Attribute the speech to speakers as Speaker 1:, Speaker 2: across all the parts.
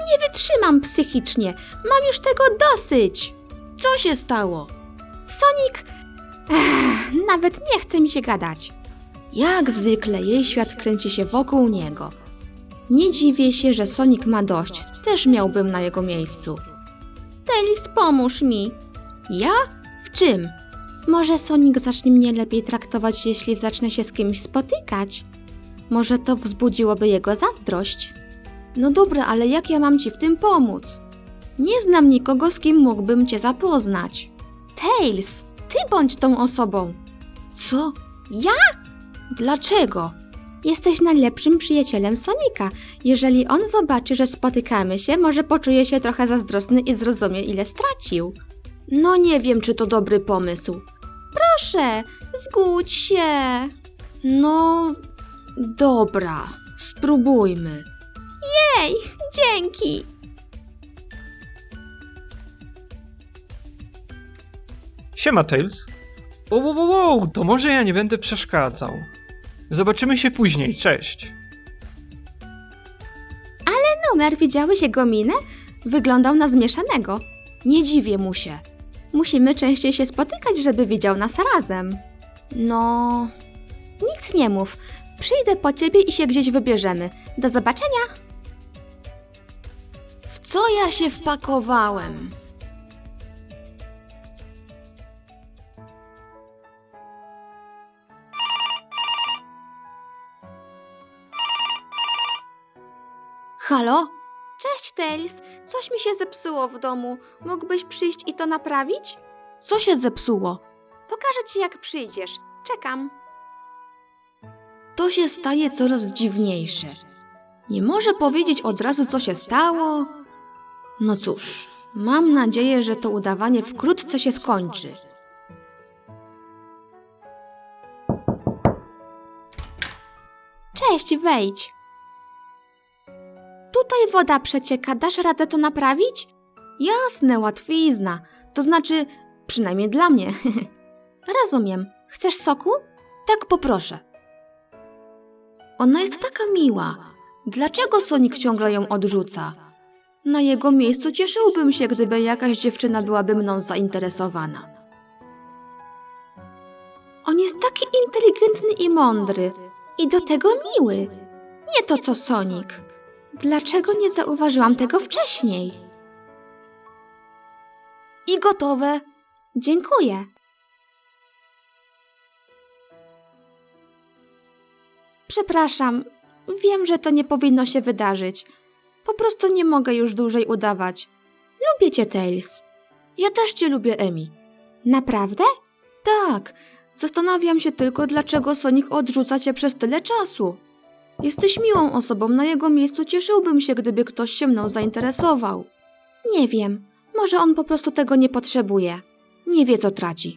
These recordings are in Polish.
Speaker 1: nie wytrzymam psychicznie. Mam już tego dosyć.
Speaker 2: Co się stało?
Speaker 1: Sonic... nawet nie chce mi się gadać. Jak zwykle jej świat kręci się wokół niego. Nie dziwię się, że Sonic ma dość. Też miałbym na jego miejscu. Tails, pomóż mi.
Speaker 2: Ja? W czym?
Speaker 1: Może Sonic zacznie mnie lepiej traktować, jeśli zacznę się z kimś spotykać. Może to wzbudziłoby jego zazdrość.
Speaker 2: No dobra, ale jak ja mam ci w tym pomóc?
Speaker 1: Nie znam nikogo, z kim mógłbym cię zapoznać. Tails, ty bądź tą osobą.
Speaker 2: Co?
Speaker 1: Ja?
Speaker 2: Dlaczego?
Speaker 1: Jesteś najlepszym przyjacielem Sonika. Jeżeli on zobaczy, że spotykamy się, może poczuje się trochę zazdrosny i zrozumie, ile stracił.
Speaker 2: No nie wiem, czy to dobry pomysł.
Speaker 1: Proszę, zgódź się.
Speaker 2: No, dobra, spróbujmy.
Speaker 1: Jej, dzięki.
Speaker 3: Siema, Tails. Wow, to może ja nie będę przeszkadzał. Zobaczymy się później, cześć.
Speaker 1: Numer, widziałeś jego minę? Wyglądał na zmieszanego.
Speaker 2: Nie dziwię mu się.
Speaker 1: Musimy częściej się spotykać, żeby widział nas razem.
Speaker 2: No,
Speaker 1: Nic nie mów. Przyjdę po ciebie i się gdzieś wybierzemy. Do zobaczenia.
Speaker 2: w co ja się wpakowałem? Halo?
Speaker 1: Cześć, Tails. Coś mi się zepsuło w domu. Mógłbyś przyjść i to naprawić?
Speaker 2: Co się zepsuło?
Speaker 1: Pokażę ci, jak przyjdziesz. Czekam.
Speaker 2: To się staje coraz dziwniejsze. Nie może powiedzieć od razu, co się stało? No cóż, mam nadzieję, że to udawanie wkrótce się skończy.
Speaker 1: Cześć, wejdź. Tutaj woda przecieka. Dasz radę to naprawić?
Speaker 2: Jasne, łatwizna. To znaczy, przynajmniej dla mnie.
Speaker 1: Rozumiem. Chcesz soku?
Speaker 2: Tak poproszę. Ona jest taka miła. Dlaczego Sonic ciągle ją odrzuca? Na jego miejscu cieszyłbym się, gdyby jakaś dziewczyna byłaby mną zainteresowana.
Speaker 1: On jest taki inteligentny i mądry. I do tego miły. Nie to co Sonic. Dlaczego nie zauważyłam tego wcześniej?
Speaker 2: I gotowe.
Speaker 1: Dziękuję. Przepraszam. Wiem, że to nie powinno się wydarzyć. Po prostu nie mogę już dłużej udawać. Lubię cię, Tails.
Speaker 2: Ja też cię lubię, Emi.
Speaker 1: Naprawdę?
Speaker 2: Tak. Zastanawiam się tylko, dlaczego Sonic odrzuca cię przez tyle czasu. Jesteś miłą osobą, na jego miejscu cieszyłbym się, gdyby ktoś się mną zainteresował.
Speaker 1: Nie wiem. Może on po prostu tego nie potrzebuje.
Speaker 2: Nie wie, co traci.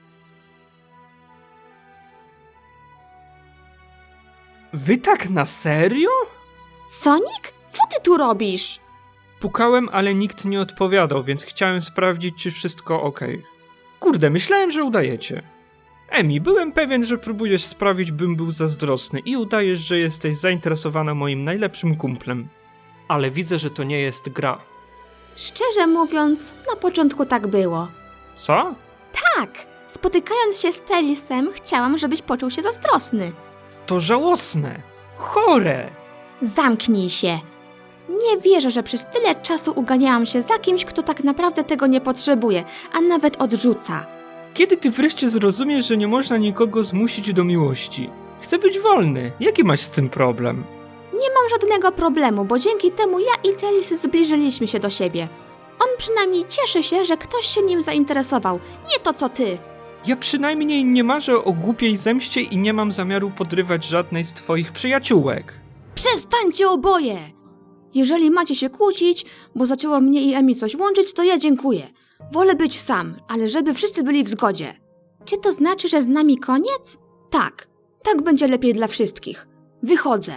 Speaker 3: Wy tak na serio?
Speaker 1: Sonic? Co ty tu robisz?
Speaker 3: Pukałem, ale nikt nie odpowiadał, więc chciałem sprawdzić, czy wszystko ok. Kurde, myślałem, że udajecie. Emi, byłem pewien, że próbujesz sprawić, bym był zazdrosny i udajesz, że jesteś zainteresowana moim najlepszym kumplem. Ale widzę, że to nie jest gra.
Speaker 1: Szczerze mówiąc, na początku tak było.
Speaker 3: Co?
Speaker 1: Tak, spotykając się z Tailsem, chciałam, żebyś poczuł się zazdrosny.
Speaker 3: To żałosne! Chore!
Speaker 1: Zamknij się. Nie wierzę, że przez tyle czasu uganiałam się za kimś, kto tak naprawdę tego nie potrzebuje, a nawet odrzuca.
Speaker 3: Kiedy ty wreszcie zrozumiesz, że nie można nikogo zmusić do miłości? Chcę być wolny. Jaki masz z tym problem?
Speaker 1: Nie mam żadnego problemu, bo dzięki temu ja i Tails zbliżyliśmy się do siebie. On przynajmniej cieszy się, że ktoś się nim zainteresował, nie to co ty.
Speaker 3: Ja przynajmniej nie marzę o głupiej zemście i nie mam zamiaru podrywać żadnej z twoich przyjaciółek.
Speaker 2: Przestańcie oboje! Jeżeli macie się kłócić, bo zaczęło mnie i Emi coś łączyć, to ja dziękuję. Wolę być sam, ale żeby wszyscy byli w zgodzie.
Speaker 1: Czy to znaczy, że z nami koniec?
Speaker 2: Tak, tak będzie lepiej dla wszystkich. Wychodzę.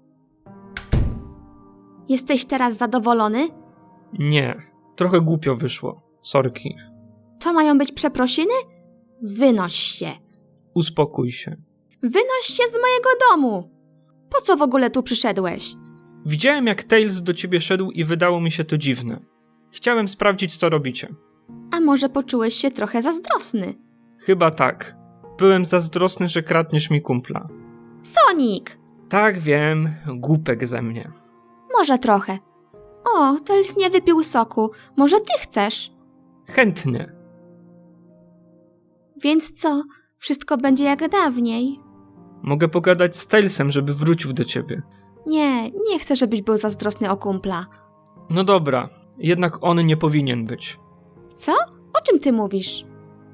Speaker 1: Jesteś teraz zadowolony?
Speaker 3: Nie, trochę głupio wyszło. Sorki.
Speaker 1: To mają być przeprosiny? Wynoś się.
Speaker 3: Uspokój się.
Speaker 1: Wynoś się z mojego domu. Po co w ogóle tu przyszedłeś?
Speaker 3: Widziałem, jak Tails do ciebie szedł i wydało mi się to dziwne. Chciałem sprawdzić, co robicie.
Speaker 1: A może poczułeś się trochę zazdrosny?
Speaker 3: Chyba tak. Byłem zazdrosny, że kradniesz mi kumpla.
Speaker 1: Sonic!
Speaker 3: Tak, wiem, głupek ze mnie.
Speaker 1: Może trochę. O, Tails nie wypił soku. Może ty chcesz?
Speaker 3: Chętnie.
Speaker 1: Więc co? Wszystko będzie jak dawniej?
Speaker 3: Mogę pogadać z Tailsem, żeby wrócił do ciebie.
Speaker 1: Nie chcę, żebyś był zazdrosny o kumpla.
Speaker 3: No dobra, jednak on nie powinien być.
Speaker 1: Co? O czym ty mówisz?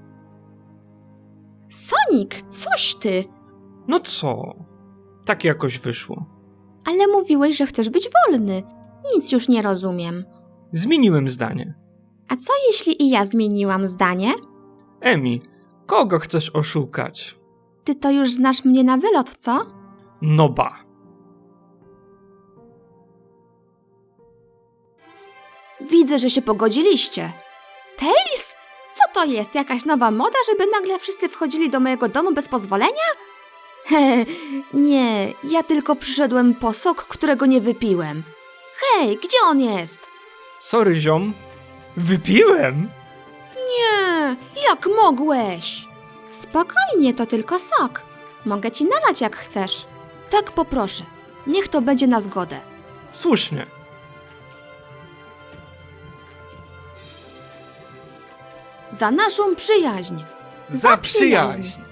Speaker 1: Sonic, coś ty!
Speaker 3: No co? Tak jakoś wyszło.
Speaker 1: Ale mówiłeś, że chcesz być wolny. Nic już nie rozumiem.
Speaker 3: Zmieniłem zdanie.
Speaker 1: A co jeśli i ja zmieniłam zdanie?
Speaker 3: Emi, kogo chcesz oszukać?
Speaker 1: Ty to już znasz mnie na wylot, co?
Speaker 3: No ba.
Speaker 1: Widzę, że się pogodziliście. Tails? Co to jest? Jakaś nowa moda, żeby nagle wszyscy wchodzili do mojego domu bez pozwolenia? Nie, ja tylko przyszedłem po sok, którego nie wypiłem. Hej, gdzie on jest?
Speaker 3: Sorry, ziom. Wypiłem?
Speaker 1: Nie, jak mogłeś? Spokojnie, to tylko sok. Mogę ci nalać jak chcesz. Tak, poproszę. Niech to będzie na zgodę.
Speaker 3: Słusznie.
Speaker 1: Za naszą przyjaźń.
Speaker 3: Za przyjaźń.